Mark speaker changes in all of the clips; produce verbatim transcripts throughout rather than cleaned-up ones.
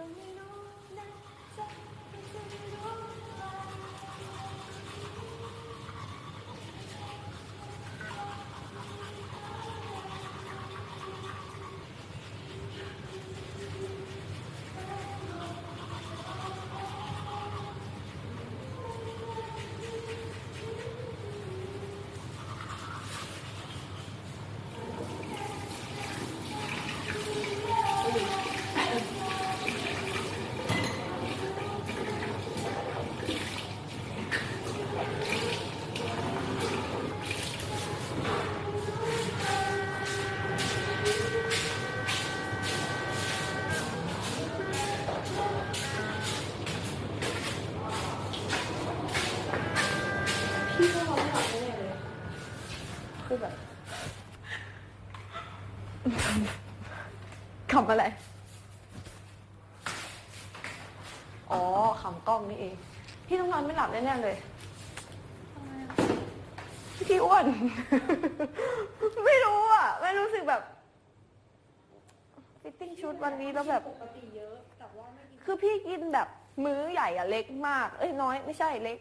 Speaker 1: คือแบบขำอะไรอ๋อขำกล้องนี่เองพี่ต้องนอนไม่หลับแน่ๆเลยพี่อ้วน ไม่รู้อ่ะไม่รู้สึกแบบฟิตติ้งชุดวันนี้แล้วแบบปกติเยอะแต่ว่าไม่คือพี่กินแบบมื้อใหญ่อะเล็กมากเอ้ยน้อยไม่ใช่เล็ก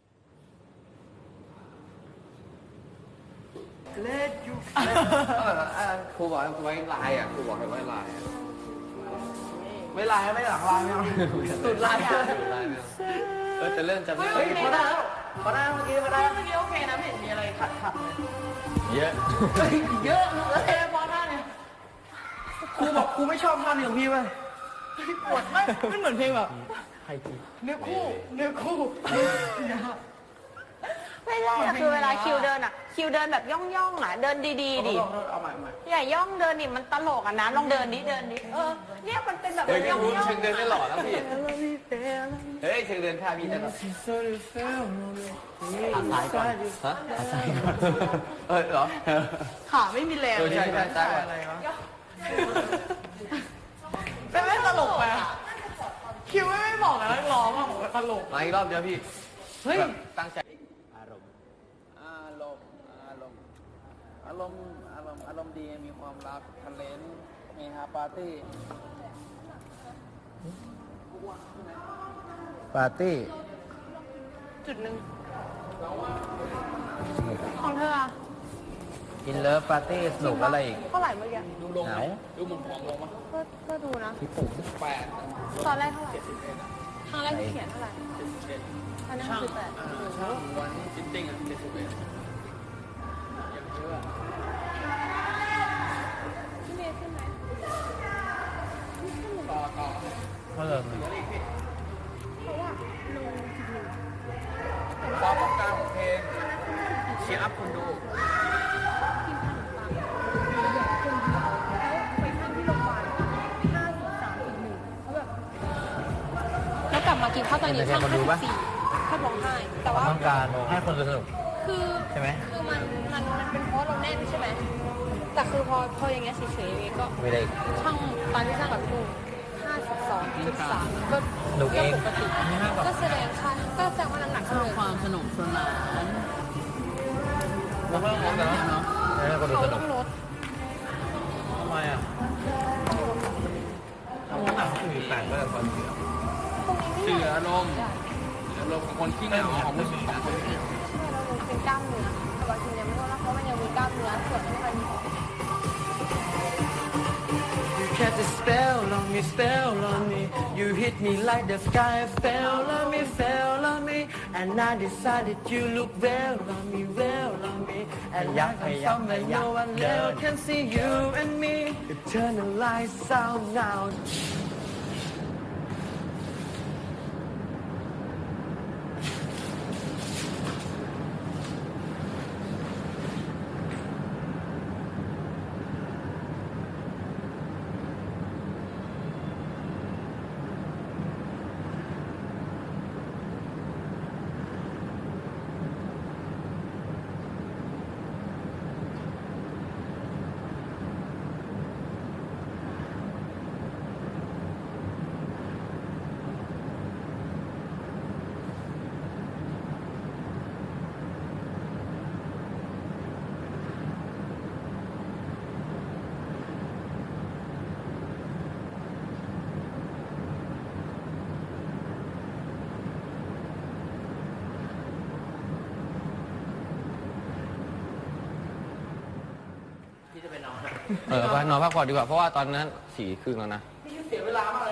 Speaker 2: เล็กอยู่ครูบอกไว้ลายอ่ะครูบอกให้ไว้ลายไม่ลายไม่หลังลายไม่เอาสุดลายสุดลายไม่เอาเออจะเริ่มจะเฮ้ยพอได้แล้วพอได้เมื่อกี้พอได้เมื่อกี้โอเคนะไม่เห็นมีอะไรขัดขัดเลยเยอะเยอะเลยพอได้เนี่ยครูบอกครูไม่ชอบท่านี้ของพี่เว้ยปวดไม่ไม่เหมือนเพลงแบบเนื้อคู่เนื้อคู่
Speaker 1: ไม่ใช่อะคือเวลาคิวเดินอะคิวเดินแบบย่องย่องอะเดินดีๆดิ
Speaker 2: เอาใหม่ใหม่
Speaker 1: อย่าย่องเดินดิมันตลกอะนะลองเดินดิเดินดิเออเนี่ยมันเป็นแบบย่องย่อง
Speaker 2: เชิงเดินได้หล่อแล้วพี่เฮ้ยเชิงเดินท่าพี่ได้หรอขาซ้ายก่อนฮะขาซ้ายก่อนเออเหรอ
Speaker 1: ขาไม่มีแรง
Speaker 2: ใช่ใช่ใช่อะไรวะ
Speaker 1: เป็นไม่ตลกไปคิวไม่บอกนะร้องอะตลก
Speaker 2: มาอีกรอบเดียวพี่เฮ้ยตั้งใจอารมณ์อารมณ์อารมณ์อารมณ์อารมณ์อารมณ์ดีมีความรักทะเลนมีฮาปาร์ตี้ปาร์ตี้
Speaker 1: จุดหนึ่งของเธออะ
Speaker 2: กินเลิฟปาร์ตี้สนุกอะไรอีก
Speaker 1: เท่าไหร่เมื่อกี้
Speaker 2: ดูลงไหมดูมุมมองลงมั้ย
Speaker 1: ก็ก็ดูนะ
Speaker 2: ที่ปุ่มแปด
Speaker 1: ตอนแรกเท่าไหร่ครั้งแรกที่เขียนเท่าไหร่ตอนนั้นคือแปด
Speaker 2: ช่างวันฟิตติ้งอ่ะเจ็ดสิบเอ็ดยังเยอะ
Speaker 1: พี่เมย์ขึ้นไหม
Speaker 2: ต่อต่อเพิ่ม
Speaker 1: เพราะว่าลงจุดหนึ่ง
Speaker 2: ความต้องการของเพลงเชียร์อัพคุณดู
Speaker 1: กินขนมปังคนเดียวแล้วไปข้างที่โรงพยาบาลห้าสิบสามจุดหนึ่งเขาแบบแล้วกลับมากินข้าวตอนนี้ข้างห้าสิบสี่ข้าวร้องไห้แต่ว่า
Speaker 2: ต้องการให้คนสนุก
Speaker 1: คือ
Speaker 2: ใช่ไหม
Speaker 1: คือมันมันมันเป็นเพราะเราแน่นใช่ไหมแต่คือพอพออย่างเงี้ยเฉยๆก็
Speaker 2: ไม่ได้
Speaker 1: ช่างตอนที่ช่างกับลูกห้าสิบสองจุดสามก็
Speaker 2: ลูกเอง
Speaker 1: ปกติก็แสดงค่ะก็แสดงว่าน้ำหนักเขาเลย
Speaker 3: ความสนุกสนาน
Speaker 2: เราเพิ่มลดแล้วเนาะให้คนดูสนุกทำไมอ่ะน้ำหนักคือแปดก็จะพอดีเสืออารมณ์เสืออารมณ์ของคนขี้เหงาของผู้หญิงนะ
Speaker 1: เราเป็นกล้ามเนื้อแต่บางทียังไม่รู้นะเพราะมันยังมีกล้ามเนื้อส่วนที่มัน
Speaker 3: Cast a spell on me, spell on me. You hit me like the sky fell on me, fell on me. And I decided you look well on me, well on me. And like I'm somewhere no one else can see you and me. Turn the lights out now.
Speaker 2: เออไปนอนพักผ่อนดีกว่าเพราะว่าตอนนั้นสี่ครึ่งแล้วนะ
Speaker 3: พี่เสียเวลามากเลย